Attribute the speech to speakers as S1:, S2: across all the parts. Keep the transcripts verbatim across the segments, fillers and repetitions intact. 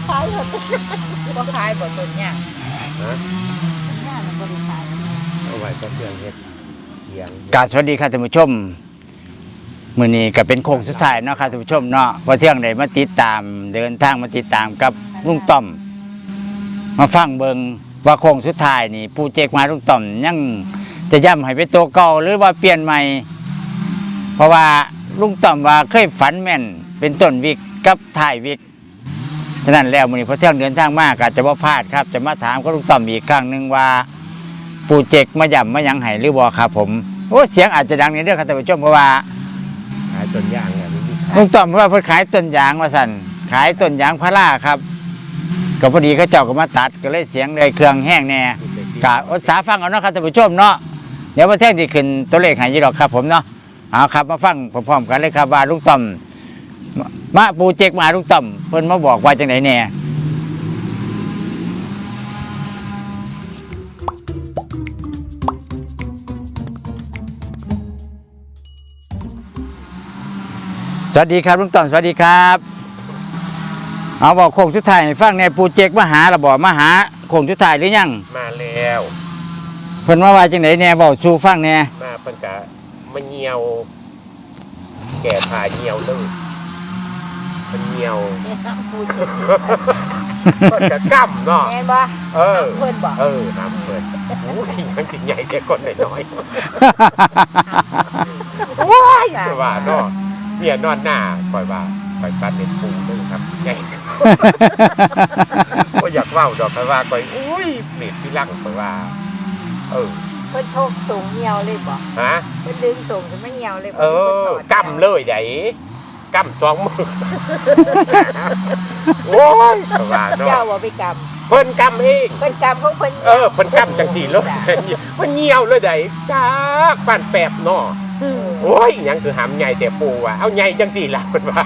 S1: ขายหมดบ่ขายบ่ต้นเนี่ย
S2: ฮะ
S1: เนี่ยมันบ่ได้ขาย
S2: เอาไว้ก็เครื่องเฮ็ดเลี้ยง
S3: กราบสวัสดีค่ะท่านผู้ชมมื้อนี้ก็เป็นโค้งสุดท้ายเนาะค่ะท่านผู้ชมเนาะพอเที่ยงได้มาติดตามเดินทางมาติดตามกับลุงต้อมมาฟังเบิ่งว่าโค้งสุดท้ายนี่ผู้เจกมาลุงต้อมยังจะย้ำให้เป็นตัวเก่าหรือว่าเปลี่ยนใหม่เพราะว่าลุงต้อมว่าเคยฝันแม่นเป็นต้นวิกกับท้ายวิกฉะนั้นแล้วมื้อนี้พอเที่ยงเดินทางมาก็จะบ่พลาดครับจะมาถามกับลุงต้อมอีกครั้งนึงว่าปู่เจกมาย่ำมายังให้หรือบ่ครับผมโอ้เสียงอาจจะดังนิดเดียวครับท่านผู้ชมเพราะว่า
S2: ขายต้นยางเนี่ยมี
S3: ลุงต้อมเพราะว่าเพิ่นขายต้นยางว่าสั่นขายต้นยางพาราครับก็พอดีเขาเจ้าก็มาตัดก็เลยเสียงเลยเครื่องแห้งแน่กะอดสาฟังเอาเนาะครับท่านผู้ชมเนาะเดี๋ยวมาแท่งที่ขึ้นตัวเลขให้ยี่ดอกครับผมเนาะเอาครับมาฟังพร้อมๆกันเลยครับว่าลุงต้อมมาปูเจกมาลุงต้อมเพิ่นมาบอกว่าจังไหนแน่สวัสดีครับลุงต้อมสวัสดีครับเอาบอกโค้งสุดท้ายให้ฟังในปูเจกมาหาระบอกมาหาโค้งสุดท้ายหรือยัง
S2: มาแล้ว
S3: เพิ่นมาว่าจังไหนแน่บอกสู่ฟังแน่
S2: มาเพิ่นกะมาเหี่ยวแก่ผ่าเหี่ยวเลยมันเหี่ยว
S1: ปูเจ็ก
S2: เพิ่นกะกั้มเนาะ
S1: แม่นบ่
S2: เออ
S1: เพิ่นบ่
S2: เออน้ำเพิ่นโอ้ยยังสิใหญ่แต่คนน้อยๆโอ้ยว่าเนาะเมียนอนหน้าปล่อยว่าปล่อยปันเป็นปูเลยครับใหญ่ก็อยากเว้าดอกไปว่าปล่อยอุ้ยเม็ดที่ลังปล่อยว่าเออ
S1: เพิ่นทกส่งเหี่ยวเลยบ่
S2: ฮะ
S1: เพิ่นดึงส่งจนไม่เหี่ยวเลย
S2: เออกำเลยไดกำสองมือโอ้ยว่าเนาะ
S1: เจ้าบ่ไปกำ
S2: เพิ่นกำเอง
S1: เพิ่นกำของเพิ่น
S2: เออเพิ่นกำจังซี่เลยเพิ่นเหี่ยวเลยไดจ้าปานแป๊บเนาะโอ้ยยังคือหำใหญ่แต่ปูว่ะเอาใหญ่จังสี่ละเป็นว่า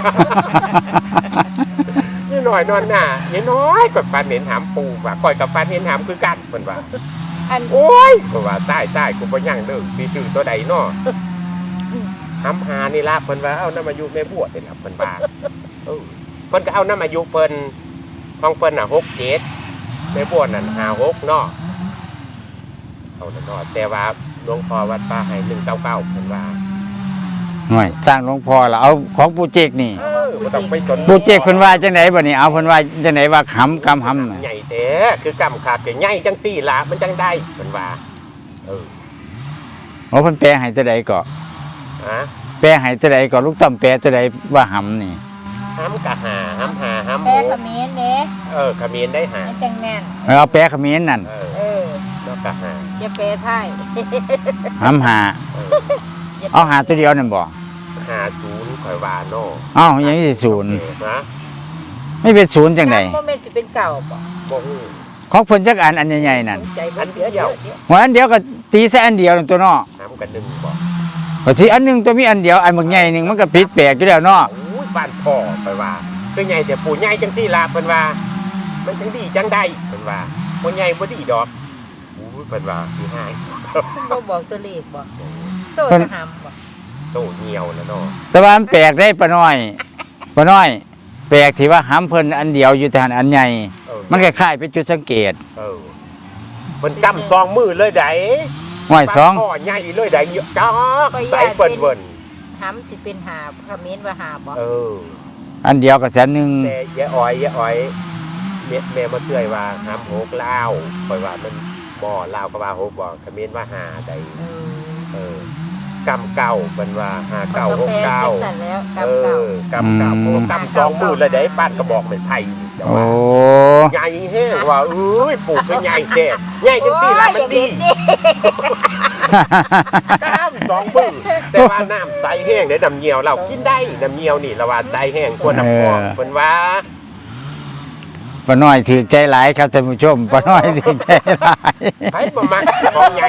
S2: นี่หน่อยนอนหน้านี่น้อยกว่าปานเห็นหำปูว่ะก่อยกับปานเห็นหำคือกันเป็นว่า
S1: อัน
S2: โอ้ยเพราะว่าใต้ใต้กูบ่ยั่งเด้อสิซื้อตัวใดเนาะหำหานี่ล่ะเพิ่นว่าเอาน้ำอายุแม่บวชนี่ล่ะเพิ่นว่าเออเพิ่นก็เอาน้ำอายุเพิ่นของเพิ่นน่ะหก เจ็ดแม่บวชนั่นห้า หกเนาะเอาเนาะแต่ว่าหลวงพ่อวัดป่าให้หนึ่งเก้าเก้าเพิ่นว่า
S3: หน่อยสร้างหลวงพ่อละเอาของปูเจกนี่
S2: เออบ่ต้องไปจน
S3: ปูเจกเพิ่นว่าจังไหนบ่นี่เอาเพิ่นว่าจังไหนว่าหำกำหำ
S2: ใหญ่แท้คือกำขาดแต่ใหญ่จังซี่ล่ะมันจังได้เพิ่นว่าเออ
S3: โอ้เพิ่นแปลให้ตัวใดก็
S2: ฮะ
S3: แปลให้ตัวใดก็ลูกต้อมแปลตัวใดว่าหำนี่
S2: หำกะหาหำหาหำ
S1: แปลเขมรเด้
S2: เออเขมรได้หา
S1: จังแม่น
S3: เออเอาแปลเขมรนั่น
S2: เออ
S1: เออ
S2: แล้วกะหา
S1: อย่าแปลไทย
S3: หำหาเอาหาตัวเดียวนั่นบ่
S2: หาศูนย์ข่อยว่าเนาะ
S3: เอ้ายังสิศูนย์
S2: ฮะ
S3: ไม่เป็นศูนย์จังได๋
S1: บ่แม่นสิเป็นเก่าบ่
S2: บ่ฮู้
S3: ของเพิ่นจักอันอันใหญ่ๆนั่น
S1: อันเดียว
S3: หัวอันเดียวก็ตีใส่อันเดียวนั่นตัวเนาะ
S2: หำกันหนึ่งบ่
S3: ก็สิอันนึงตัวมีอันเดียวอันบักใหญ่นึงมันก็ผิดแปลกอยู่แล้วเนาะ
S2: โอ้ยบ้านพ่อข่อยว่าคือใหญ่แต่ปู่ใหญ่จังซี่ล่ะเพิ่นว่ามันจังดีจังได้เพิ่นว่าบ่ใหญ่บ่ดีดอกโอ้ยเพิ่นว่าสิหาย
S1: บ่บอกตัวเลขบ่โซ่จะหำบ่
S2: โตเหี่ยวแล้วเนาะ
S3: แต่ว่ามันแปลกได้ปะน้อยปะน้อยแปลกที่ว่าหำเพิ่นอันเดียวอยู่แต่อันใหญ่มันคล้ายๆเป็นจุดสังเกต
S2: เออเพิ่นกำสองมือเลยได
S3: ห้อยสอง
S2: พ่อใหญ่เลยไดจ้าใส่เปิ้นเบิ่น
S1: หำสิเป็นหาเขมรว่าหาบ่
S2: เออ
S3: อันเดียวก็แสนนึง
S2: แต่ยายอ้อยยายอ้อยแม่แม่มาเตือยว่าหำหกลาวข่อยว่ามันบ่ลาวก็ว่าหกบ่เขมรว่าหาได้เออกำเก่าเป็นว่าหาเก่าหกเก้าเออกำเก่าโอ้กำสองมือเลยได้ป้านกระบอกเป็นไทย
S3: โอ้
S2: ใหญ่แห้งว่าเอ้ยปลูกเป็นใหญ่แก่ใหญ่จังสี่ละมันดีกำสองมือแต่ว่าน้ำใสแห้งเดี๋ยวน้ำเงียวเรากินได้น้ำเงียวนี่เราว่าใสแห้งกว่าน้ำฟองเป็นว่า
S3: ป้าน้อยถือใจหลายครับท่านผู้ชมป้าน้อยถือใจหลาย
S2: ไปประมาณของใหญ่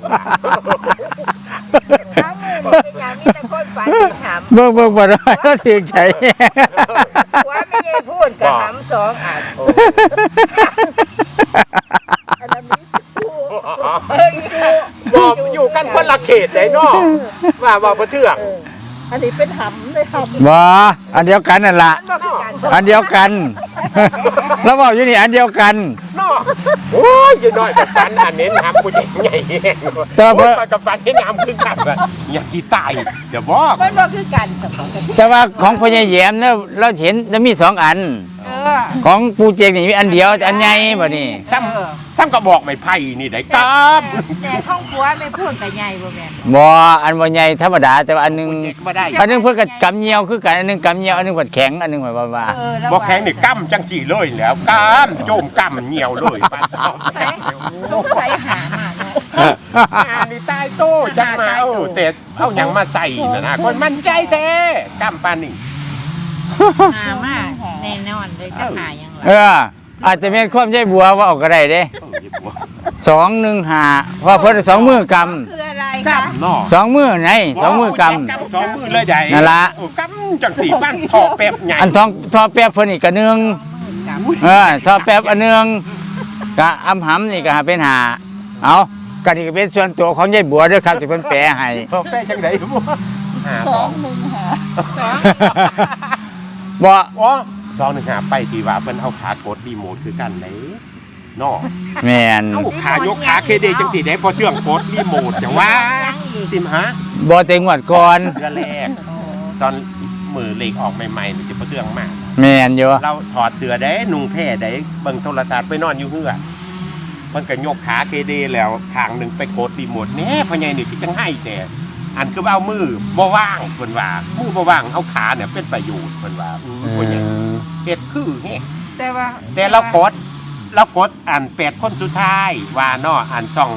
S3: เบิ่งเบิ่งบ่ได้แล้วถึงใจ
S1: ว่าไม่ได้พูดกับหำสองอันอันนั้นมีคู่
S2: บอกอยู่กันคนละเขตไหนเนาะว่าว่าบ่เทื่อง
S1: อันนี้เป็นหำไม่หำ
S3: บ่อันเดียวกันนั่นล่ะอันเดียวกันแล้วบอกอยู่นี่อันเดียวกัน
S2: เนาะโอ้ยอยู่น้อยกับฟันอันนี้น้ำกูใหญ่ใหญ่แห้ง
S3: แต่ว่า
S2: โอ้ยกับฟันที่น้ำขึ้นกันแบบอย่าที่ตายเดี๋ยวบอก
S1: มันบ่คือกันสมองกัน
S3: แต่ว่าของพ่อใหญ่แย้มเนี่ยเราเห็นจะมีสองอัน
S1: เออ
S3: ของปูเจกนี่มีอันเดียวแต่อันใหญ่บ่นี่
S2: ซ้ำซ้ำก็บอกไม่ไผ่นี่ได้กล้าม
S1: แต่ห้องครัวไม่พูดกับใหญ่บ่แม่น
S3: บ่อันบ่ใหญ่ธรรมดาแต่ว่าอันหนึง
S2: เด็กมาได้
S3: อันหนึงเพิ่นก็กำเหนียวคือกันอันหนึงกำเหนียวอันหนึงผัดแข็งอันหนึงแบบว่า
S1: เออแล้ว
S2: บอกแข็งนี่กั้มจังสี่เลยแล้วกั้มโจมกั้มเหนียวเลยปันเอา
S1: ใส่ต้องใส่หามาเนาะ
S2: อันนี้ตายโต้จังมาเออแต่เอาหยังมาใส่นะนะคนมันใจแท้กั้มปานนี่
S1: หามาแน่นอนเลยจะหายัง
S3: เอออาจจะเป็นความใจบัวว่าออกก็ได้เด้
S2: เออหยิบหัว
S3: สองหนึ่งห้าเพราะเพิ่นสองมือก
S1: คืออะไร
S2: กั้
S1: คะ
S2: มเนาะ
S3: ำสองมือไหนสองมือก
S2: กั้มสองมือเลยใหญ่
S3: นั่นล่ะ
S2: เออกั้มจังสี่ปั้นทอแป๊บใหญ่
S3: ำอันทองทอแป๊บเพิ่นอีกกระนึง
S1: มือกับ
S3: เออทอแป๊บอันนึงกะอำหำนี่ก็หาเป็นหาเอาก็นี่ก็เป็นส่วนตัวของยายบัวเด้วยครับที่เพิ่นแปลให้
S2: ทอแป๊บจังไดบ่ห้าสอง
S1: สอง
S3: บ่
S2: อ๋อสองหนึ่งหาไปที่ว่าเพิ่นเอาขากดรีโมทคือกันไหนเนาะ
S3: แม่น
S2: เอาขายกขาเคเดจังสี่ได้พอเชื่องกดรีโมทจังว่าติมฮะ
S3: บ่แต่งวดก่อน
S2: เดือนแรกตอนมือเหล็กออกใหม่ๆนี่จะพอเชื่องมาก
S3: แม่นอยู่
S2: เราถอดเสื้อได้นุ่งแพร่ได้เบิ่งโทรทัศน์ไปนอนอยู่เฮือมันก็ยกขาเคเดแล้วข้างหนึงไปกดรีโมทแหน่พ่อใหญ่นี่คือจังให้แต่อันคือว่าเอามือบ่ว่างเพิ่นว่ามือบ่ว่างเอาขาเนี่ยเป็นประโยชน์เพิ่นว่าอืมพ่อใหญ่เฮ็ดคือแฮะ
S1: แต่ว่า
S2: แต่เรากดเรากดอ่านแปดคนสุดท้ายว่าเนาะอ่านช่อง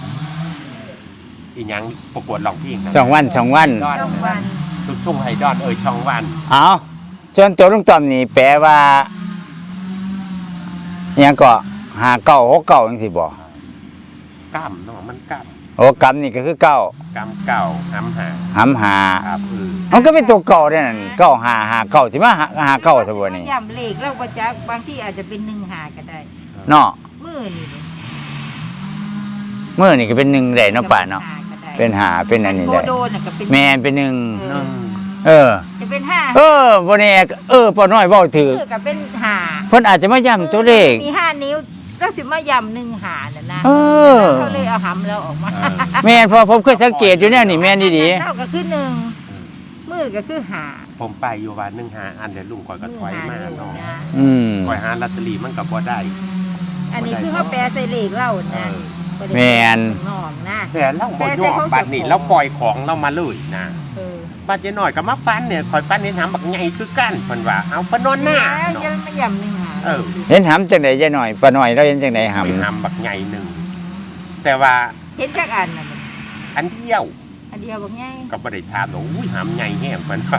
S2: อีหยังประกวดร้องเพลงนะ
S3: สองวันสองวัน
S2: ดอน
S1: ต้องวัน
S2: ทุกทุ่งไฮดอนเอ่ยช่องวัน
S3: เอาส่วนตัวลุงต้อมนี่แปลว่าอิหยังก็หาเก้าหกเก้าจังซี่บ่
S2: กล้ามเนาะมันกล้าม
S3: โอ้กำนี่ก็คือเก้าก
S2: ล้ามเก่าหำหา
S3: หำหา
S2: ครับเออ
S3: มันก็เป็นตัวเก่าเด้นั่นเก้าหาหาเก้าสิมาหาหาเก้าซะบ่นี่
S1: ย่ำเลขแล้วบ่จักบางที่อาจจะเป็นหนึ่งหาก็ได้
S3: เนาะ
S1: มือนี่
S3: มื้อนี่ก็เป็นหนึ่งได้เนาะป่าเนาะเป็นหาเป็นอันนี้
S1: โค
S3: ได้
S1: โดนน่ะก็เป็น
S3: แม่นเป็นหนึ่ง
S1: เอ
S2: หนึ่
S1: อง
S3: เออ
S1: จะเป็นห้า
S3: เออบ่แน่เออป้าน้อยเว้าถือ
S1: มือก็เป็นหา
S3: เพิ่นอาจจะมาย้ำตัวเลข
S1: มีห้านิ้วแล้วสิมาย่ำหนึ่งหาน่ะนะ
S3: เออ
S1: เขาเลยเอาหำแล้วออกมา
S2: เออ
S3: แม่นเพอผมเคยสังเกตอยู่แนวนี่แม่นดี
S1: เท่าก็คือหนึ่งมือก็คือหา
S2: ผมไปอยู่วันหนึ่งหาอันเดี๋ยวลุงคอยก็
S1: มื
S2: ถอย
S1: หา
S2: มา
S1: นิ้ว
S2: เนาะ
S1: นะ
S3: ๆอืม
S2: คอยหาลอตเตอรี่มันก็บ่ได้
S1: อันนี้คือเขาแปลใส่เลขเล่า
S2: เอ
S1: นะ
S2: อ
S3: แม่น
S1: นองนะ
S2: แต่เราบ่ยอมบัดนี้เราปล่อยของเรามาเลยนะ
S1: เออ
S2: บัดเจน้อยก็มาฟันเนี่ยคอยฟันเห็นหำบักใหญ่คือกันเพิ่นว่าเอาเพิ่นนอนหน้า
S1: แล้ว
S2: เนาะ
S1: ยังไม่ย่ำหนึ่งหา
S2: เออ
S3: เห็นหำจังได๋ยายหน่อยป้าน้อยเราเห็นจังได๋หำ
S2: มีหำบักใหญ่หนึ่งแต่ว่า
S1: เห็นจักอันน่ะมัน
S2: อันเดียว
S1: อันเดียวบอกง่าย
S2: ก็บ่ได้ถามหรอกอุ้ยหำใหญ่แห้งเพิ่นว่า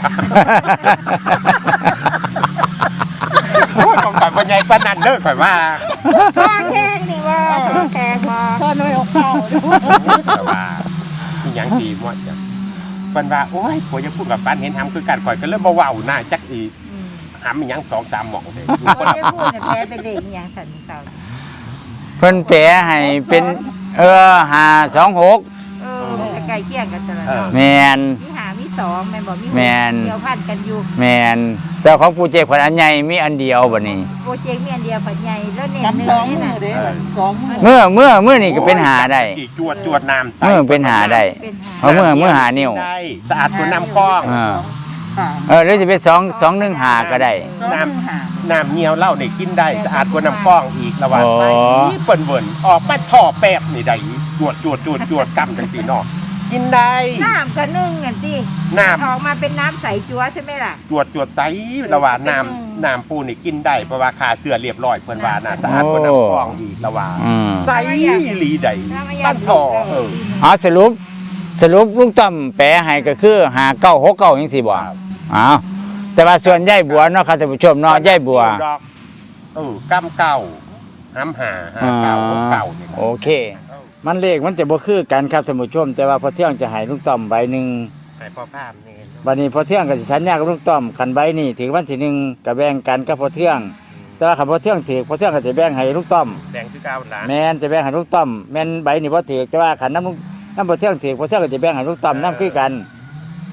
S2: โอ้ยต้องการบ่ใหญ่ปานนั้นเด้อข่อยว่า
S1: พ่อแข้งนี่ว่าแข้งมาพ่อน้อยออกเข่า
S2: แต่ว่าอีหยังดีหมดจ้ะเพิ่นว่าโอ้ยผัวจะพูดกับฟันเห็นหำคือกันข่อยก็เลยบ่เว้าหน้าจักอีกหำอีหยังสองสามหม่องเด้
S1: คนจะพูดเนี่ยแพ้เป็นเลขอย่างสันนิษฐาน
S3: เพิ่นแปลให้เป็นเออห้าสองหก
S1: เออใกล้เคียงกันตลอด
S3: แม่น
S1: มีหามีสองแม่บอกมี
S3: แม่น
S1: เดียวพันกันอยู่
S3: แม่นแต่ของปูเจกขวัญอันใหญ่มีอันเดียวบัดนี้
S1: โปรเจกต์มีอันเดียวผัดใหญ่แล้วเน้น
S4: จำ
S1: เนื้
S4: ส
S1: อ
S4: อง
S1: นี่
S4: มื
S1: นะ
S4: อเด้สองมือ
S3: เมื่อเมื่อเมื่อนี่ก็เป็นหาได้
S2: อีกจวดจวดน้ำใส่
S3: เมื่อเป็นหาได้
S1: เป็นหา
S3: เพราะเมื่อเมื่อหานิ้ว
S2: ได้สะอาดกว่าน้ำคลอง
S3: เออ
S4: ค่ะ
S3: เออหรือจะเป็นสองสองหนึ่งหาก็ได้
S4: สองมือหา
S2: น้ำเงียวเหล้าเนี่ยกินได้สะอาดกว่าน้ำคลองอีกระหว่าง
S3: อ๋อ
S2: ไปเปิ่นเวินออกมาท่อแป๊บนี่ได้จวดจวดจวดจวดกำจังสีนอกกินได้
S1: น้ำก็นึ่งกันที่
S2: น้
S1: ออกมาเป็นน้ำใสจั๊วใช่ไหมล่ะ
S2: ำจวดจวดใสระหว่างน้
S1: อืม
S2: ำน้ำปูนี่กินได้เพราะว่าขาเสื้อเรียบร้อยเพิ่นว่าน่ะสะอาดกว่าน้ำคลองอีกระหว่าง
S3: อืม
S2: ใสลีได้
S1: น้ำไม่ยา
S2: ปั้นท่อเออ
S3: เอาสรุปสรุปลุงต้อมแปลให้ก็คือหาเก้าหกเก้าจังซี่บ่อ้าวแต่ว่าส่วนยายบัวเนาะครับท่านผู้ชมเนาะยายบัว
S2: ดอกเออกำเก่าห้ำหาหาเก่าหกเก่านี่นะ
S3: โอเค มันเลขมันจะบ่คือกันครับท่านผู้ชม แต่ว่าพอเที่ยงจะให้ลุงต้อมใบหนึ่ง
S2: ให้พ่อภาพนี่
S3: วันนี้พอเที่ยงก็สิสัญญากับลุงต้อมคันใบนี่ถึงวันที่หนึ่งก็แบ่งกันกับพอเที่ยง แต่ว่าคันพอเที่ยงถือพอเที่ยงก็จะแบ่งให้ลุงต้อม
S2: แดงคือเก้าหลาน
S3: แม่นจะแบ่งให้ลุงต้อมแม่นใบนี่บ่ถือแต่ว่าคันน้ำลุงน้ำพอเที่ยงถือพอเที่ยงก็จะแบ่งให้ลุงต้อมน้ำคือกัน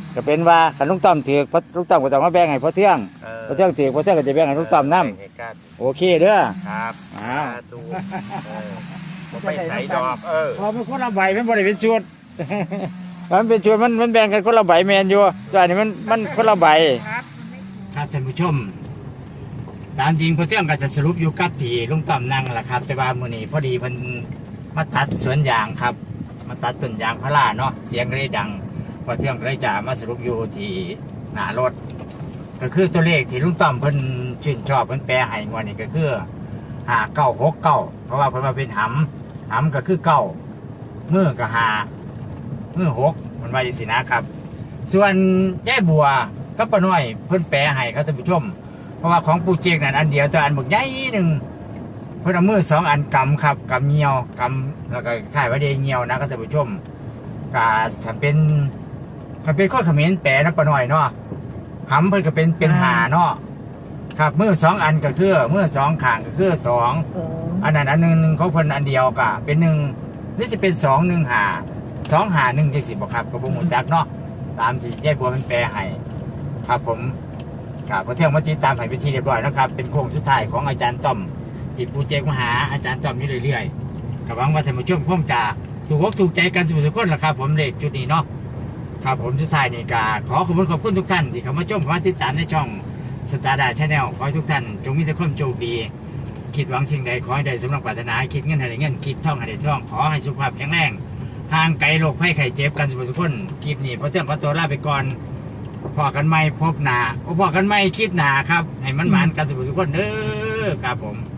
S3: ก็เป็นว่าคันลุงต้อมถือพอลุงต้อมก็ต้องมาแบ่งให้พ่อเทือง
S2: เออ
S3: พ่อเทืองถือพ่อเทืองก็จะแบ่งให้ลุงต้อมนํ
S2: ให้กัน
S3: โอเคเด้อ
S2: ครับ
S3: อ้าว
S2: สาธุเออบ่ไปใส่ดอกเออ
S3: พอมันคนละใบมันบ่ได้เป็นชุด มันเป็นชุดมันมันแบ่งกันคนละใบแมนอยู่แตัวนี้มันมันคนละใบ
S1: ครับ
S3: ครับท่านผู้ชม ตามจริงพ่อเทืองก็จะสรุปอยู่กับที่ลุงต้อมนั่งแหละครับ แต่ว่ามื้อนี้พอดีเพิ่นมาตัดสวนยางครับ มาตัดต้นยางพาราเนาะเสียงก็เลยดังพ่อเทืองก็เลยจะมาสรุปอยู่ที่หน้ารถ ก็คือตัวเลขที่ลุงต้อมเพิ่นชื่นชอบเพิ่นแปลให้งวดนี้ก็คือห้าเก้าหกเก้าเพราะว่าเพิ่นว่าเป็นหำหำก็คือเก้ามือก็ห้ามือหกมันว่าอย่างสินะครับ ส่วนแย่บัวก็ป้าน้อยเพิ่นแปลให้ครับท่านผู้ชม เพราะว่าของปูเจกนั่นอันเดียวแต่อันบักใหญ่หนึ่งเพิ่นเอามือสองอันกำครับกำเงียวกำแล้วก็ข่ายว่าเดเงียวนะครับท่านผู้ชมก็ถ้าเป็นถ้าเป็นข้อเขมรแปลนะป้าน้อยเนาะหำเพิ่นก็เป็นเป็นหาเนาะครับมือสองอันก็คือมือสองข้างก็คือสองอันนั้นอันหนึ่งหนึ่งของเพิ่นอันเดียวก็เป็นหนึ่งนี่จะเป็นสองหนึ่งหาสองหาหนึ่งที่สิบบอกครับก็บ่ฮู้จักเนาะตามที่ยายบัวมันแปลให้ครับผมครับก็เที่ยวมาติดตามให้เป็นที่เรียบร้อยนะครับเป็นโค้งสุดท้ายของอาจารย์ต้อมที่ปูเจกมาหาอาจารย์ต้อมอยู่เรื่อยๆก็หวังว่าท่านผู้ชมคงจะถูกอกถูกใจกันสุขคนละครับผมเลขจุดนี้เนาะครับผมสุดท้ายนี่ก็ขอขอบคุณขอบคุณทุกท่านที่เข้ามาชมเข้ามาติดตามในช่องสตาร์ดาชาแนลขอให้ทุกท่านจงมีแต่ความโชคดีคิดหวังสิ่งใดขอให้ได้สมดังปรารถนาคิดเงินให้ได้เงินคิดท่องให้ได้ท่องขอให้สุขภาพแข็งแรงห่างไกลโรคภัยไข้เจ็บกันสุขสุขคนคลิปนี้พอเที่ยงขอตัวลาไปก่อนพอกันไม่พบหนาพอกันไม่คลิปหนาครับให้มันหมานกันสุขสุขคนเด้อครับผม